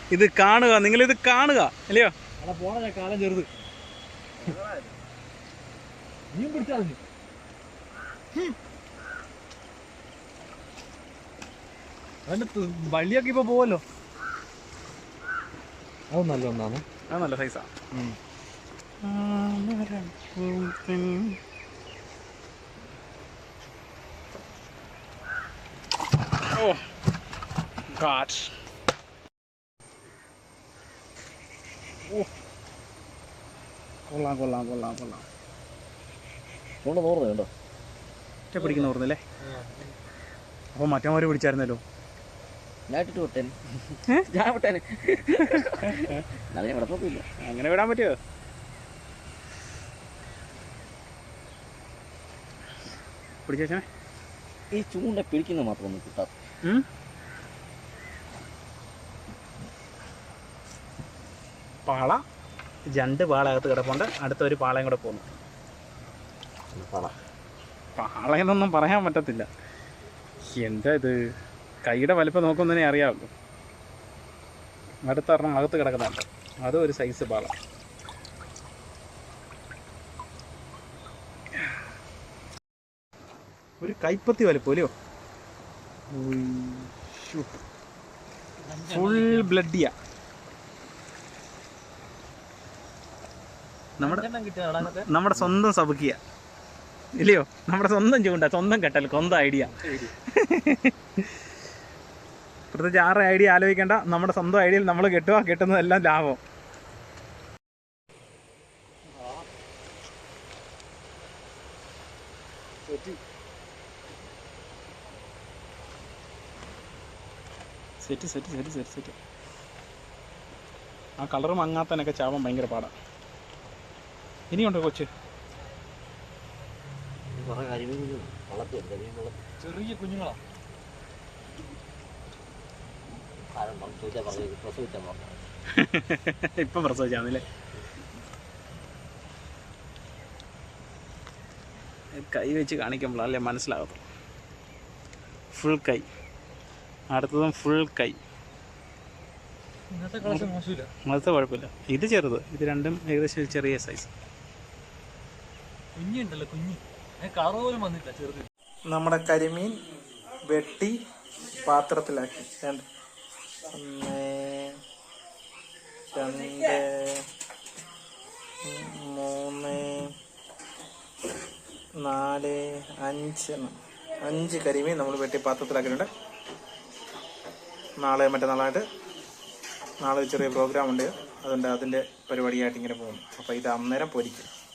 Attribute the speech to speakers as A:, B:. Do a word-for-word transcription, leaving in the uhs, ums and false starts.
A: ഇത് കാണുക, നിങ്ങളിത് കാണുക അല്ലയോ?
B: പോണ കാലം ചെറുത് നീ പിടിച്ചാൽ അതിന്റെ വള്ളിയൊക്കെ ഇപ്പൊ പോവല്ലോ. അത് നല്ല ഒന്നാണ്,
A: അത് നല്ല സൈസാ. ഓ ഗോഡ്. ഓ കൊള്ളാം കൊള്ളാം കൊള്ളാം കൊള്ളാം.
B: കൊണ്ട് നോർന്നു കേട്ടോ,
A: ഒറ്റ പിടിക്കുന്ന ഓർന്നല്ലേ. അപ്പോൾ മറ്റന്മാര് പിടിച്ചായിരുന്നല്ലോ.
B: ഞാൻ ഇട്ടിട്ട് വിട്ടേനെ, ഞാൻ വിട്ടേനെ. നല്ല കുഴപ്പമില്ല.
A: അങ്ങനെ വിടാൻ പറ്റുമോ? പിടിച്ചേ.
B: ഈ ചൂണ്ട പിടിക്കുന്ന മാത്രം ഒന്നും കിട്ടാത്ത.
A: പാള, രണ്ട് പാളകത്ത് കിടപ്പുണ്ട്. അടുത്തൊരു പാളയും കൂടെ പോകുന്നു.
B: പാള
A: പാളയെന്നൊന്നും പറയാൻ പറ്റത്തില്ല. എന്താ ഇത്, കൈയുടെ വലിപ്പം നോക്കുന്നതിനെ അറിയാമല്ലോ. അടുത്തൊരെണ്ണം അകത്ത് കിടക്കുന്നുണ്ട്, അതും ഒരു സൈസ് പാള. ഒരു കൈപ്പത്തി വലിപ്പം അല്ലയോ? ഫുൾ ബ്ലഡിയാ. നമ്മുടെ നമ്മുടെ സ്വന്തം സബുക്കിയ ഇല്ലയോ? നമ്മുടെ സ്വന്തം ചൂണ്ട, സ്വന്തം കെട്ടൽ, സ്വന്തം ഐഡിയ. പ്രത്യേകിച്ച് ആറ് ഐഡിയ ആലോചിക്കേണ്ട, നമ്മുടെ സ്വന്തം ഐഡിയയിൽ നമ്മൾ കെട്ടുക, കെട്ടുന്നതെല്ലാം ലാഭം. Set set set set set. ആ കളറ് മങ്ങാത്തനൊക്കെ ചാവാൻ ഭയങ്കര പാടാണ്. ഇനിയുണ്ടോ കൊച്ച്?
B: ചെറിയ കുഞ്ഞുങ്ങളാ.
A: ഇപ്പം പ്രസവിച്ചാന്നല്ലേ? കൈ വെച്ച് കാണിക്കുമ്പോഴല്ലേ മനസ്സിലാകത്തുള്ളൂ. ഫുൾ കൈ, അടുത്തതും ഫുൾ കൈ.
B: ഇന്നത്തെ കളക്ഷൻ മോശമില്ല,
A: അത് കുഴപ്പമില്ല. ഇത് ചെറുത്, ഇത് രണ്ടും ഏകദേശം ചെറിയ സൈസ്.
B: കുഞ്ഞുണ്ടല്ലോ, കുഞ്ഞ് കളർ പോലും വന്നില്ല, ചെറുത്.
A: നമ്മുടെ കരിമീൻ വെട്ടി പാത്രത്തിലാക്കി. രണ്ട് ഒന്ന് രണ്ട് മൂന്ന് നാല് അഞ്ച് അഞ്ച് കരിമീൻ നമ്മൾ വെട്ടി പാത്രത്തിലാക്കിയിട്ടുണ്ട്. നാളെ മറ്റന്നാളായിട്ട് നാളെ ചെറിയ പ്രോഗ്രാം ഉണ്ട്, അതുകൊണ്ട് അതിൻ്റെ പരിപാടിയായിട്ട് ഇങ്ങനെ പോകുന്നു. അപ്പോൾ ഇത് അന്നേരം പൊരിക്കും.